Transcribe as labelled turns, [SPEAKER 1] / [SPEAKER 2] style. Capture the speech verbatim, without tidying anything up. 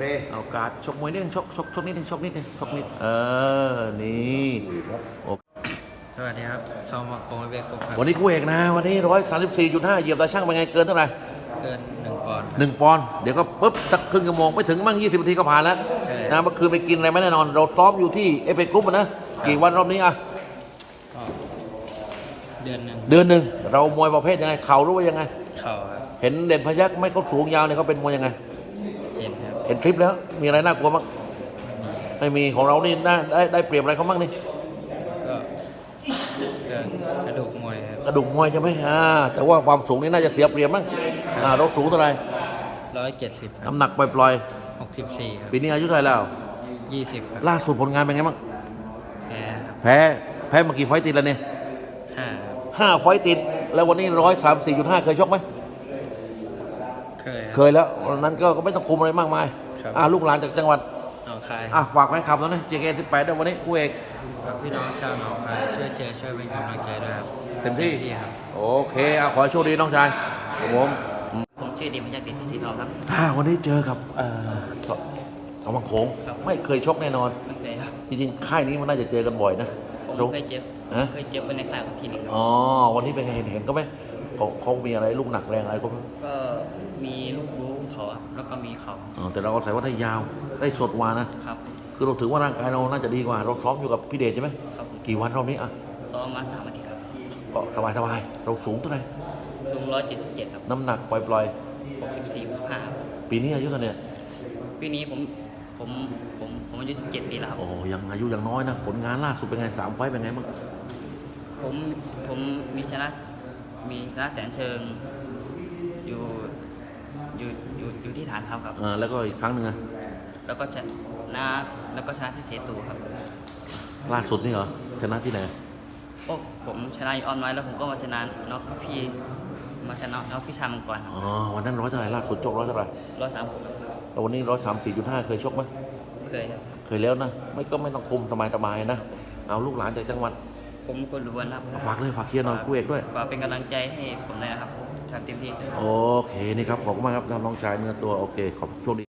[SPEAKER 1] เอาการชกมวยนิดนึงชกชกชกนิดนึงชกนิดนึงชกนิดเออนี่โอเค
[SPEAKER 2] สวัสดีครับซอมมาโคงเวกครับ
[SPEAKER 1] วันนี้กูเอกนะวันนี้ร้อยสามสิบสี่จุดห้าเหยียบตาช่างเป็นไงเกินเท่าไหร่
[SPEAKER 2] เกินหนึ่งปอนด์
[SPEAKER 1] หนึ่งปอนด์เดี๋ยวก็ปุ๊บสักครึ่งชั่วโมงไม่ถึงมั่งยี่สิบนาทีก็ผ่านแล้ว
[SPEAKER 2] ใช่
[SPEAKER 1] นะเมื่อคืนไปกินอะไรไม่แน่นอนเราซ้อมอยู่ที่เอเปกรุ๊ปนะกี่วันรอบนี้อ่ะ
[SPEAKER 2] ก็เดือนหนึ่ง
[SPEAKER 1] เดือนหนึ่งเรามวยประเภทยังไงเข่ารู้ว่ายังไง
[SPEAKER 2] เข่าครับ
[SPEAKER 1] เห็นเด่นพยักไม่เขาสูงยาวเนี่ยเขาเป็นมวยยังไง
[SPEAKER 2] เห็นครับ
[SPEAKER 1] เห็นคลิปแล้วมีอะไรน่ากลัวบ้างไม่มีของเรานี่ได้ได้ได้เปรียบอะไรเขาบ้างนี่
[SPEAKER 2] ก็เกินกระดูกมวยครับ
[SPEAKER 1] กระดูกมวยใช่ไหมอ่าแต่ว่าความสูงนี่น่าจะเสียเปรียบมั้งอ่าเราสูงเท่าไหร่
[SPEAKER 2] ร้อยเจ็ดสิบครับ
[SPEAKER 1] น้ำหนักปล่อย
[SPEAKER 2] หกสิบสี่ครับ
[SPEAKER 1] ๆปีนี้อายุเท่าไหร่แล้ว
[SPEAKER 2] ยี่สิบครับ
[SPEAKER 1] ล่าสุดผลงานเป็นไงบ้าง
[SPEAKER 2] แพ้ครับ
[SPEAKER 1] แพ้แพ้มากี่ไฟต์ติดแล้วเนี่ย
[SPEAKER 2] ห้า
[SPEAKER 1] ห้าไฟต์ติดแล้ววันนี้ร้อยสามสี่จุดห้าเคยชกไหม
[SPEAKER 2] เคยค
[SPEAKER 1] เครับ ยแล้ววันนั้นก็ก็ไม่ต้องคุมอะไรมากมาย
[SPEAKER 2] ครับ
[SPEAKER 1] อ่าลูกหลานจากจังหวัด
[SPEAKER 2] หนองคาย
[SPEAKER 1] อ่ะฝากแฟนคลับแล้วนะ เจ เค สิบแปดด้วยวันนี้กูเอก
[SPEAKER 2] ฝากพี่น้องชาวหนองคายช่วยเชียร์ช่วยเป็นกำลังใจด้วยครับ
[SPEAKER 1] เต็มที่
[SPEAKER 2] ครับ
[SPEAKER 1] โอเคอ่ะขอให้โชคดีน้องชายครับผม
[SPEAKER 2] ผมชื่อดิมพยัคฆ์ดิษฐ์พิสิทธิ์ทองครับ
[SPEAKER 1] อ่าวันนี้เจอกับเอ่อสสองบังโขง
[SPEAKER 2] ครับ
[SPEAKER 1] ไม่เคยชกแน่นอน
[SPEAKER 2] ไม่เคยครับ
[SPEAKER 1] จริงๆค่ายนี้มันน่าจะเจอกันบ่อยนะ
[SPEAKER 2] ผมเคยเจ็บ
[SPEAKER 1] ฮะ
[SPEAKER 2] เคยเจ็บเป็นในสายทีหนึ่งครับ
[SPEAKER 1] อ๋อวันนี้เป็นไงเห็นเห็นก็ไหมเขาเขามีอะไรลูกหนักแรงอะไรก็ไหม
[SPEAKER 2] ก็มีลูกบู๊เขาครับแล้วก็มีเขา
[SPEAKER 1] อ๋อแต่เราก็ใส่ว่าได้ยาวได้สดกว่านะครับ คือเราถือว่าร่างกายเราน่าจะดีกว่า เราซ้อมอยู่กับพี่เดชใช่ไหม
[SPEAKER 2] ครับผม
[SPEAKER 1] กี่วันรอบนี้อ่ะ
[SPEAKER 2] ซ้อมมาสามอาทิตย์ครับ
[SPEAKER 1] ก็สบายสบายๆเราสูงเท่าไหร่
[SPEAKER 2] สูงร้อยเจ็ดสิบเจ็ดครับ
[SPEAKER 1] น้ำหนักปล่อย
[SPEAKER 2] หกสิบสี่หกสิบห้า
[SPEAKER 1] ๆ ปีนี้อายุเท่าไหร่เนี่ย
[SPEAKER 2] ปีนี้ผมผมผมผมอายุสิบเจ็ดปีแล้วครับ
[SPEAKER 1] โอ้ยังอายุยังน้อยนะผลงานล่าสุดเป็นไงสามไฟต์เป็นไงบ้าง
[SPEAKER 2] ผมผมมีชนะมีชนะแสนเชิง อยู่อยู่อยู่อยู่ที่ฐานทัพครับ
[SPEAKER 1] เออแล้วก็อีกครั้งหนึ่งอะ
[SPEAKER 2] แล้วก็ชนะแล้วก็ชนะที่เสตูครับ
[SPEAKER 1] ล่าสุดนี่เหรอชนะที่ไหน
[SPEAKER 2] โอ้ผมชนะอยู่ออนไลน์แล้วผมก็มาชนะน็อกพี่มาชนะน็อกพี่ชายมังกร
[SPEAKER 1] อ๋อวันนั้นร้อยเท่าไหร่ล่าสุดชกร้อยเท่าไหร่
[SPEAKER 2] ร้อยสามหก
[SPEAKER 1] แล้ววันนี้ร้อยสามสี่จุดห้าเคยชกไหม
[SPEAKER 2] เคยครับ
[SPEAKER 1] เคยแล้วนะไม่ก็ไม่ต้องคุมสบายสบายๆนะเอาลูกหลานจากจังหวัด
[SPEAKER 2] ผมคนรู้วันครับ
[SPEAKER 1] ฝากเลยฝากเชียร์หน่อยกูเอกด้วย
[SPEAKER 2] ฝากเป็นกำลังใจให้ผมเลยนะครับทำเต็มที่
[SPEAKER 1] โอเคนี่ครับขอบคุณมากครับน้องชายเนื้อตัวโอเคขอบคุณโชคดี